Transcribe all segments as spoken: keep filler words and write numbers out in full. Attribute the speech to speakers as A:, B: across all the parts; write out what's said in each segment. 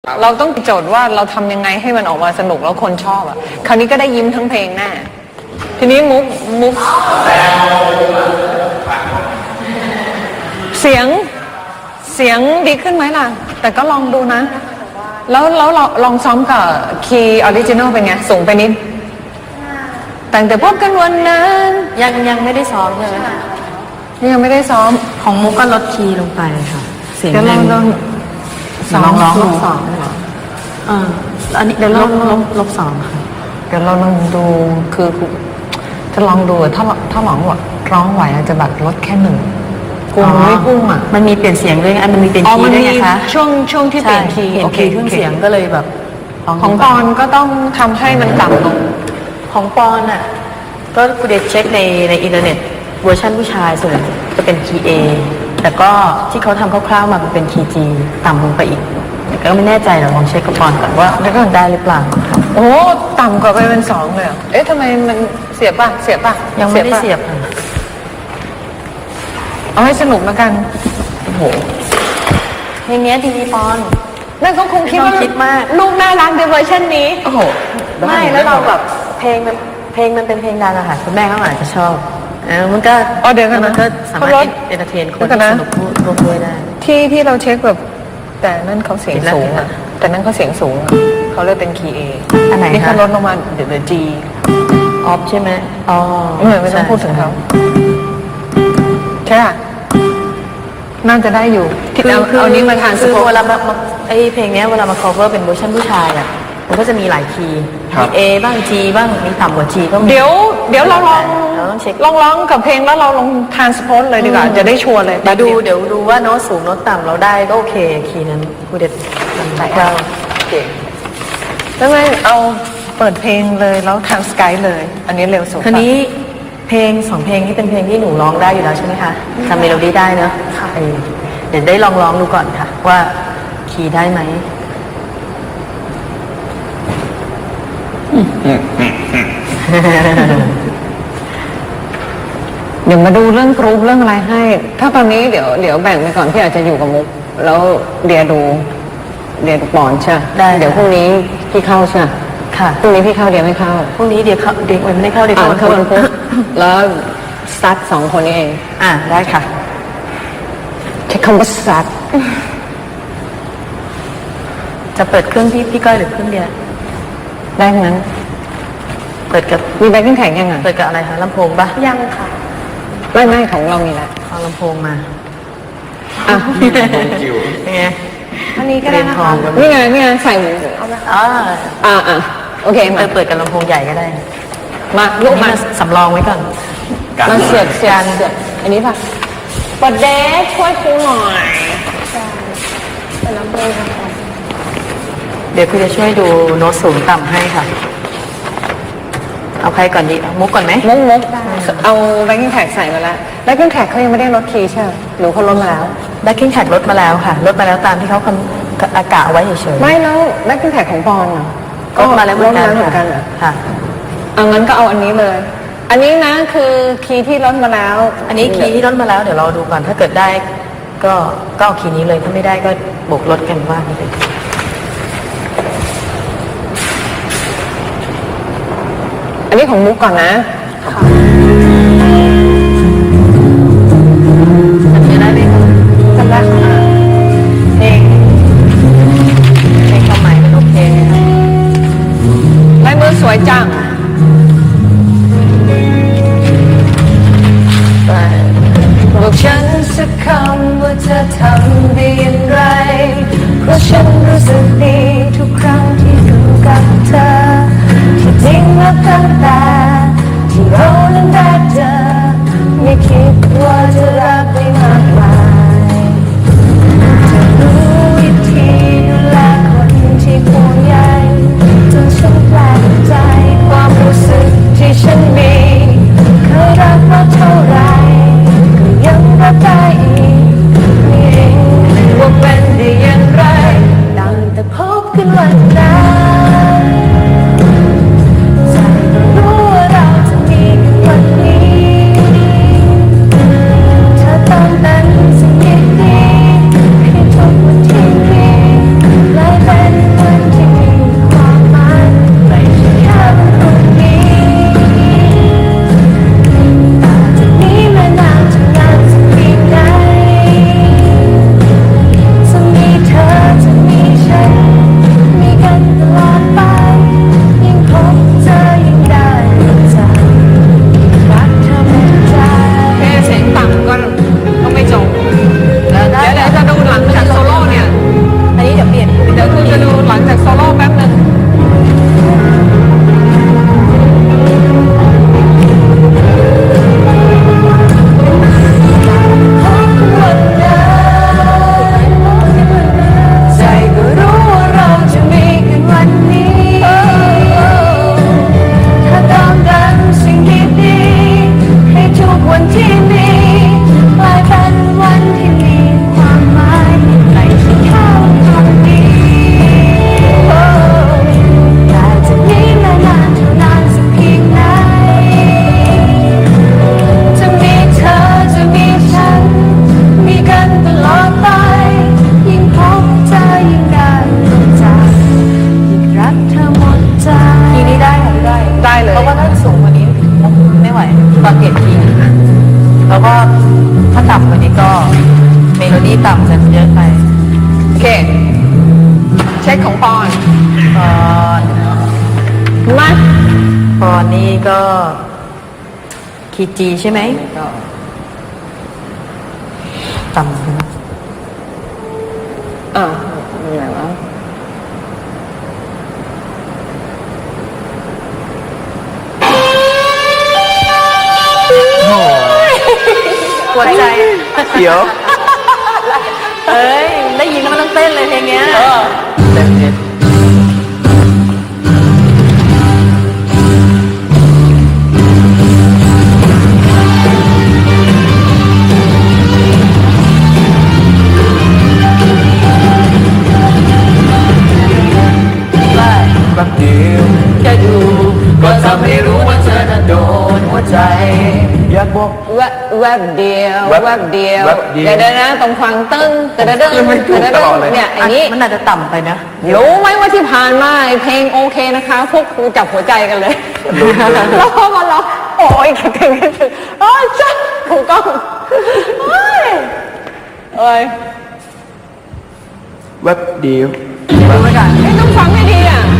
A: เราต้องโจทย์ว่าเราทำยังไงให้มันออกมาสนุกแล้วคนชอบอ่ะคราวนี้ก็ได้ยิ้มทั้งเพลงแน่ทีนี้มุกมุกเสียงเสียงดีขึ้นไหมล่ะแต่ก็ลองดูนะแล้วแล้วลองลองซ้อมกับคีย์ออริจินอลเป็นไงสูงไปนิดแต่งแต่พบกันวันนั้น
B: ยังยังไม่ได้ซ้อมเลย
A: นี่ยังไม่ได้ซ้อม
B: ของมุกก็ลดคีย์ลงไปค่ะเสียง
A: ลองลอง
B: ลองร้องลบสองเหรออ่าอันนี้เดี๋ยวลบลบลบสองค่ะ
A: เดี๋ยวเราลองดูคือจะลองดูถ้าถ้าหลองร้องไหวอาจจะแบบลดแค่หนึ่งกูไม่พุ่งอ่ะ
B: มันมีเปลี่ยนเสียงด้วยอันมันมีเปลี่ยนคีย์ด้วยนะคะ
A: ช่วงช่วงที่เปลี่ยนคีย์
B: โอเคเครื่องเสียงก็เลยแบบ
A: ของปอนก็ต้องทำให้มันต่ำลง
B: ของปอนอ่ะก็กูเด็ดเช็คในในอินเทอร์เน็ตเวอร์ชันผู้ชายส่วนจะเป็นคีย์ A แต่ก็ที่เขาทำคร่าวๆมาเป็นคีย์ G ต่ำลงไปอีกแต่ก็ไม่แน่ใจเราลองเช็คกับปอนก่อนว่าได้หรือเปล่า
A: โอ้ต่ำกว่าไปเป็นสองเลยเอ๊ะทำไมมันเสียบป่ะเสียบป่ะ
B: ยังไม่ได้เสียบ
A: เอาให้สนุกแล้วกัน
B: โอ้โหเพลงนี้ดีปอน
A: นั่นก็คงคิดว่า
B: คิดมาก
A: ลูกน่ารักในเวอร์ชันนี้
B: โอ้โหไม่แล้วเราแบบเพลงมันเพลงมันเป็นเพลงดังอะค่ะคุณแม่เขาอาจจะชอบอ่ามันก็
A: อ๋อเดี๋ยวกัน
B: นะมันก็สามารถเอนเตอร์เทนคนสนุกร่วมด้วยได้
A: ที่ที่เราเช็คแบบแต่นั่นเขาเสียงสูงอะแต่นั่นเขาเสียงสูงเขาเลยเป็นคีย์ A
B: อันไหน
A: นี่เขาลดลงมาเดี๋ยว G
B: ออฟใช่ไหมอ๋อ
A: ไม่ต้องพูดถึงเขาใช่ป่ะน่าจะได้อยู่
B: ที่เอาเอานี้มาทานคือเวลามาไอเพลงนี้เวลามา cover เป็นเวอร์ชันผู้ชายอ่ะมันก็จะมีหลายคีย์มี A บ้าง G บ้างมีต่ำกว่า G ก็มี
A: เดี๋ยวเดี๋ยวเราลองลองร้องกับเพลงแล้วเราลองทานสปอตเลยดีกว่าจะได้ชัวร์เลย
B: เดี๋ยวดูเดี๋ยวดูว่าโน้ตสูงโน้ตต่ำเราได้ก็โอเคคีย์นั้นกูเด็ด
A: ใช่ค่ะเก่งแล้วไม่เอาเปิดเพลงเลยแล้วทางสกายเลยอันนี้เร็วสุด
B: ทีนี้เพลงสองเพลงที่เป็นเพลงที่หนูร้องได้อยู่แล้วใช่ไหมคะทำเมโลดี้ได้เนอะเดี๋ยวได้ลองร้องดูก่อนค่ะว่าคีย์ได้ไหม
A: เดี๋ยวมาดูเรื่องกรุ๊ปเรื่องอะไรให้ ถ้าตอนนี้เดี๋ยวเดี๋ยวแบ่งไปก่อนพี่อาจจะอยู่กับมุกแล้วเดี๋ยวดูเดี๋ยวปอนใช่
B: ได้
A: เดี๋ยวพรุ่งนี้พี่เข้าใช่
B: ค่ะ
A: พรุ่งนี้พี่เข้าเดี๋ยวไม่เข้า
B: พรุ่งนี้เดี๋ยวเข้าเดี๋ยวไม่ได้เข้าเดี๋ยวเข้า
A: เข้าวันพุธแล้วซัดสองคนนี้เอง
B: อ่าได้ค่ะ
A: ใช้คำว่าซัด
B: จะเปิดเครื่องพี่พี่ก้อยหรือเครื่องเดียว
A: ได้ทั้งนั้น
B: เปิดกับ
A: มีแบ็คกิ้งแท็กยังไง
B: เปิดกับอะไรคะลำโพงปะ
A: ยังค่ะไม่ไม่ของเรามีแล้ว
B: เอาลำโพงมา
A: อ่ะ
B: นี่ไง
A: อันนี้ก็ได้นะคะนี่ไงนี่ไงใส่หมู
B: อ่า
A: อ่าอ่าโอเค
B: มาเปิดกับลำโพงใหญ่ก็ได้
A: มาลูกมา
B: สำรองไว้ก่อน
A: มาเสียบเสียบเสียบอันนี้ป่ะเปิดเดชช่วยครูหน่อย
B: แต่น้ำเปรี้ยวเดี๋ยวพี่จะช่วยดูโน้ตสูงต่ำให้ค่ะเอาใครก่อนดีมุกก่อนไหม
A: มุกมุกเอาแบ็คกิ้งแท็กใส่มาแล้วแบ็คกิ้งแท็กเขายังไม่ได้ลดคีย์ใช่ไหมหรือเขาลดมาแล้ว
B: แบ็คกิ้งแท็กลดมาแล้วค่ะลดมาแล้วตามที่เขาอากาศเอาไว้เฉย
A: ๆไม่แล้วแบ็คกิ้งแท็กของปอนอ่ะ
B: ก็มาแล้วเหมือน
A: กัน
B: ค่ะ
A: เอางั้นก็เอาอันนี้เลยอันนี้นะคือคีย์ที่ลดมาแล้ว
B: อันนี้คีย์ที่ลดมาแล้วเดี๋ยวเราดูก่อนถ้าเกิดได้ก็ก็เอาคีย์นี้เลยถ้าไม่ได้ก็บวกลดกันว่าไป
A: อันนี้ของมุกก่อนนะ
B: ค่ะจะได้ไหมคะ
A: จำได้ค่ะ
B: เพลงเพลงความหมายมันโอเค
A: ลายมือสวยจังบอกฉันสักคำว่าจะทำได้อย่างไรเพราะฉันรู้สึกดีทุกครั้งที่อยู่กับเธอที่จริงแล้วตั้งแต่ที่เรานั้นได้เจอไม่คิดว่าจะรักได้มากมายจะรู้วิธีดูแลคนที่ห่วงใยจนฉันแปลกใจความรู้สึกที่ฉันมีเคยรักมาเท่าไรก็ยังรักได้อีกนี่เองว่าเป็นได้อย่างไรตั้งแต่พบกันวันนั้นรู้ว่าเราจะมีกันวันนี้เธอต้องเป็นสิ่งดีๆที่ทุกวันที่มีกลายเป็น
C: กูจะดูหลังจากโซโล่แป๊บนึง
A: ใจก็รู้ว่าเราจะมีกันวันนี้ ถ้าตามดันสิ่งดีๆให้ทุกวันที่มีกลายเป็นวันที่มีความหมายในที่เข้าตรงนี้แต่จะนี้มานานเท่านานสักเพียงไหนจะมีเธอจะมีฉันมีกันตลอดไปยิ่งพบเธอยิ่งได้รู้จักยิ่งรักเธอหมดใจ
B: คีย์นี้ได้ค่ะได้
C: ได้เลย
B: เพราะว่าถ้าสูงกว่านี้ไม่ไหวตอนเปลี่ยนคีย์แล้วก็ถ้าต่ำกว่านี้ก็เมโลดี้ต่ำจะเยอะไป
C: โอเคเช็คของปอน
B: ตอน
C: มา
B: ตอนนี้ก็คีย์จีใช่ไหมต่ำใช่ไหม
C: อ่ามีอะไรวะ
B: หัวใจ
D: เดี๋ยว
B: เอ้ยได้ยินแล้วมันต้องเต้นเลยเพลงเนี้ย
D: เต็มเน็ต
B: ได้
D: แป๊บเดียว
B: แค่ดู
D: ก็ทำให้รู้ว่าเธอน่ะโดนหัวใจ อยากบอก
C: แวบแวบเดียว
D: แวบ
C: แวบเดียว
D: แวบเดียว
C: เดี๋ยวเดี๋ยวนะตรงฟังตึ้งแต่เดิน
D: ขึ้นไม่ถูกตลอดเลย
C: เนี่ยไอ้นี้
B: มันอาจจะต่ำไปนะ
C: รู้ไหมว่าที่ผ่านมาไอ้เพลงโอเคนะคะ พวกครูจับหัวใจกันเลยแล้วพอมาร้องโอ้ยคิดถึงคิดถึงโอ้ยจ้าถูกต้องโอ้ยเอ้ย
D: แวบเดียว
B: ดูไว้ก่อน
C: เอ้ยต้องฟังให้ดีอ่ะ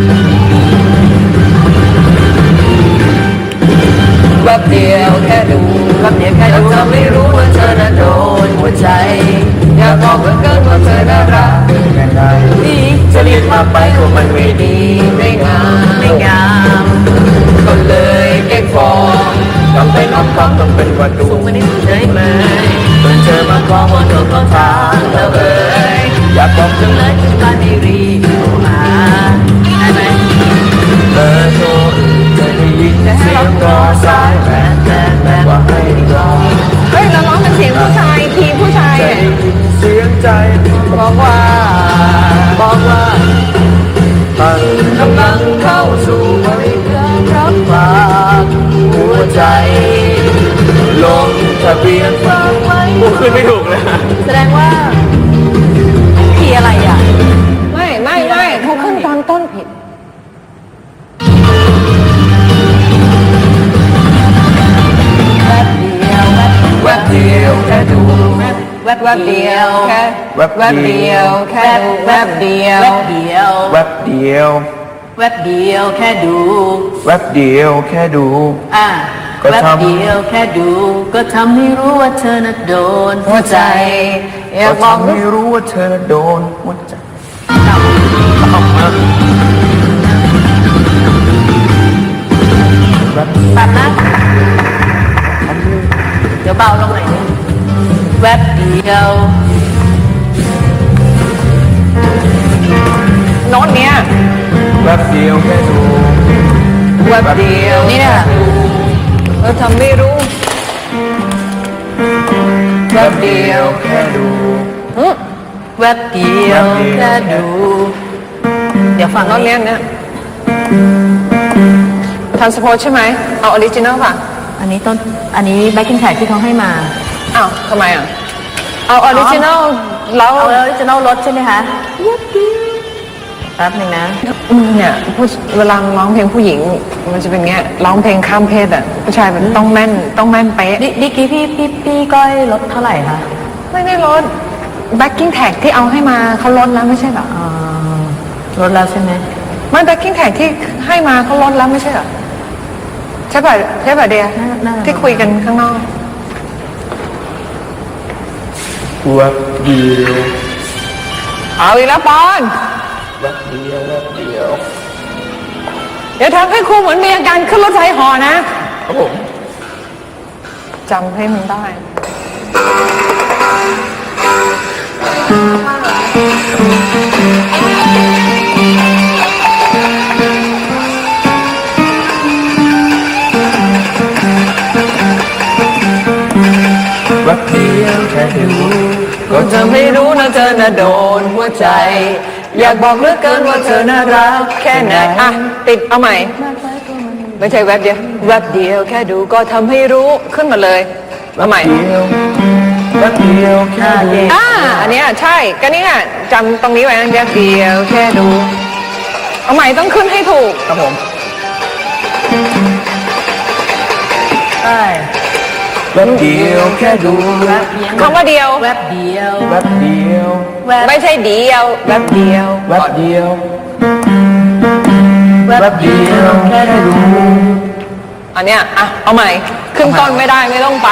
D: แวบเดียวแค่ดู
B: แป๊บเดียวแค่ดู
D: ทำให้รู้ว่าเธอน่ะโดนหัวใจ อยากบอกเหลือเกินว่าเธอน่ารักแค่ไหน
B: ดี
D: จะรีบมาไปก็มันไม่ดีไม่งาม
B: ไม่งาม
D: ก็เลยเก็บฟองทำเป็นอ้อมคำต้องเป็นวันดู
B: สูงกว่านี้เฉยเลย
D: เมื่อเจอมาคล้องว่าเธอก็ทางแล้วเอ่ยอยากบอกจัง
B: เล
D: เลย ย
B: ถึงบ้านไม่รีบโทรหาได้ไหม
D: เบอร์โทรจะได้ยินเสียงรอสายแบนแบนแบนว่าให้รอ
C: เฮ้ยเราร้องเป็นเสียงผู้ชายทีมผู้ชาย
D: จะ
C: เนี่ย
D: ได้ยินเสียงใจ
C: บอกว่า
D: บอกว่าท่านกำลังเข้าสู่บริการรับฝากหัวใจ ลงทะเบียนฝากไว้กูขึ้นไม่ถูกเลย
B: แสดงว่าคีย์อะไรอ่ะ
C: ไม่ไม่ไม่เขาขึ้นตอนต้นผิด
B: แวบเดียวแวบ
D: แวบเดียวแค่ดู
B: แวบ
C: แวบเดียวแค่
D: แวบ
C: แวบเดียวแค่ดูแวบเดียว
B: แวบเดียว
D: แวบเดียว
B: แวบเดียวแค่ดู
D: แวบเดียวแค่ดู
B: อ่ะ
D: ก็
B: แวบ
D: ทำ
B: เดียวแค่ดู ก็ทำให้รู้ว่าเธอน่ะโดน
C: หัวใจอยาก
D: ก็
C: บอก
D: ทำให้รู้ว่าเธอโดนหัวใจ
B: ตัดนะเดี๋ยวเบาลงหน่อยนึงแวบเดียว
C: โน้ตเนี้ย
D: แวบเดียวแค่ดู
C: แวบเดียว
B: นี่เนี่ย
C: เราทำไม่รู้
D: แวบเดียวแค่ดู
B: แวบเดียวแค่ดู เดี๋ยวฟัง
C: โน้ตเนี้ยเนี่ยทันสโพสใช่ไหมเอาออริจินอลป่ะ
B: อันนี้ต้น อันนี้แบ็คกิ้งแท็กที่เขาให้มา
C: อ้าวทำไมอ่ะเอาออริจินอลแล้ว
B: เอาออริจินอลรถใช่ไหมคะแป๊บหนึ่งนะ
C: อืมเนี่ยผู้เวลาร้องเพลงผู้หญิง มันจะเป็นเงี้ยร้องเพลงข้ามเพศอ่ะผู้ชายมันต้องแม่นต้องแม่นเป๊ะ
B: ดิดิกี้พี่พี่พี่ก้อยลดเท่าไหร่คะ
C: ไม่ได้ลดแบ็กกิ้งแท็กที่เอาให้มาเขาลดแล้วไม่ใช่เหรอ
B: อ่าลดแล้วใช่ไหม
C: ไม่แบ็กกิ้งแท็กที่ให้มาเขาลดแล้วไม่ใช่เหรอใช่ป่ะใช่ป่ะเดียที่คุยกันข้างนอก
D: แวบเดียว
C: เอาอีกแล้วปอน
D: แวบเดียวแวบเดียว
C: เดี๋ยวทำให้ครูเหมือนมีอาการขึ้นรถไฟเหอนะ
D: ครับผม
C: จำให้มันได้
D: แวบเดียวแค่ดูก็
C: ก็จะไม่รู้นะเธอน่ะโดนหัวใจ อยากบอกเหลือเกินว่าเธอน่ารักแค่ไหนอ่ะติดเอาใหม่ ไม่ใช่แวบเดียวแวบเดียวแค่ดูก็ทำให้รู้ขึ้นมาเลยเอาใหม่
D: เดียวแวบเดียวแค่ดู
C: อ่าอันเนี้ยใช่ก็นี่ไงจำตรงนี้ไว้นะแวบเดียวแค่ดูเอาใหม่ต้องขึ้นให้ถูก
D: ครับผม
B: ใช่
D: แวบเดียวแค่ดู
C: คำว่าเดียว
B: แวบเดียว
D: แวบเดียว
B: แวบ
C: ไม่ใช่เดียวแวบเดียว
D: แวบเดียวแวบเดียวแค่ดู
C: อันเนี้ยอ่ะเอาใหม่ขึ้นต้นไม่ได้ไม่ต้องไป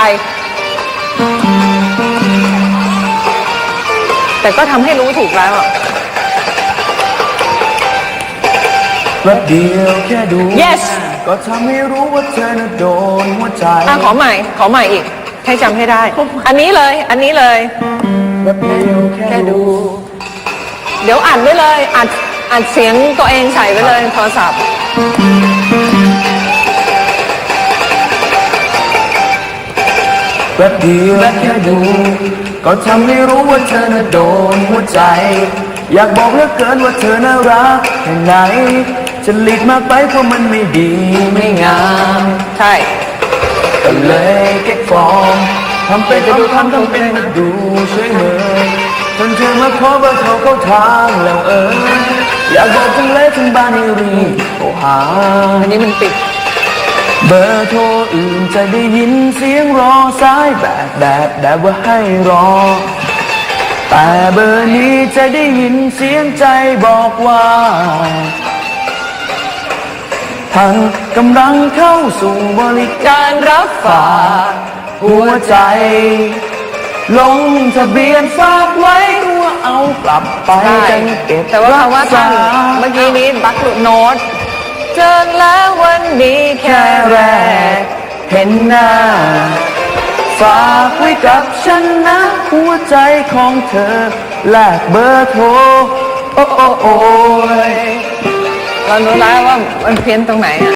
C: แต่ก็ทำให้รู้ถูกแล้วอะ
D: แวบเดียวแค่ดู
C: yes
D: ก็ทำให้รู้ว่าเธอน่ะโดนหัวใจ
C: อ่ะขอใหม่ขอใหม่อีก ให้จำให้ได้ อันนี้เลย อันนี้เลย
D: แวบเดียวแค่ดู
C: เดี๋ยวอัดไว้เลยอัดอัดเสียงตัวเองใส่ไว้เลยโทรศัพท์
D: แวบเดียวแค่ดู ก็ทำให้รู้ว่าเธอน่ะโดนหัวใจ อยากบอกเหลือเกินว่าเธอน่ารักแค่ไหนจะหลีกมากไปเพราะมันไม่ดีไม่งาม
C: ใช่
D: ก็เลยเก็บฟอร์มทำเป็นจะดูทำทำเป็นมาดูช่วยเมยจนเธอมาขอเบอร์เขาเข้าทางแล้วเอออยากบอกทั้งเละทั้งบ้านให้รีบโทรหา
C: อันนี้มันปิด
D: เบอร์โทรอื่นจะได้ยินเสียงรอสายแบบแบบแบบว่าให้รอ แต่เบอร์นี้จะได้ยินเสียงใจบอกว่าท่านกำลังเข้าสู่บริการรับฝากหัวใจ ลงทะเบียนฝากไว้ตัวเอากลับไป
C: ใช่
D: จะเก็บ
C: แต่ว่าคำว่าท่าน
D: รักษ
C: เมื่อกี้นี้บักหลุดโน้ตเจอแล้ววันนี้แค่
D: แค่
C: แร
D: แร
C: ก
D: กเห็นหน้า ฝากไว้กับฉันนะ หัวใจของเธอแลกเบอร์โทร โอ้โอ้โอ้ย
C: เรารู้แล้วว่ามันเพี้ยนตรงไหนอะ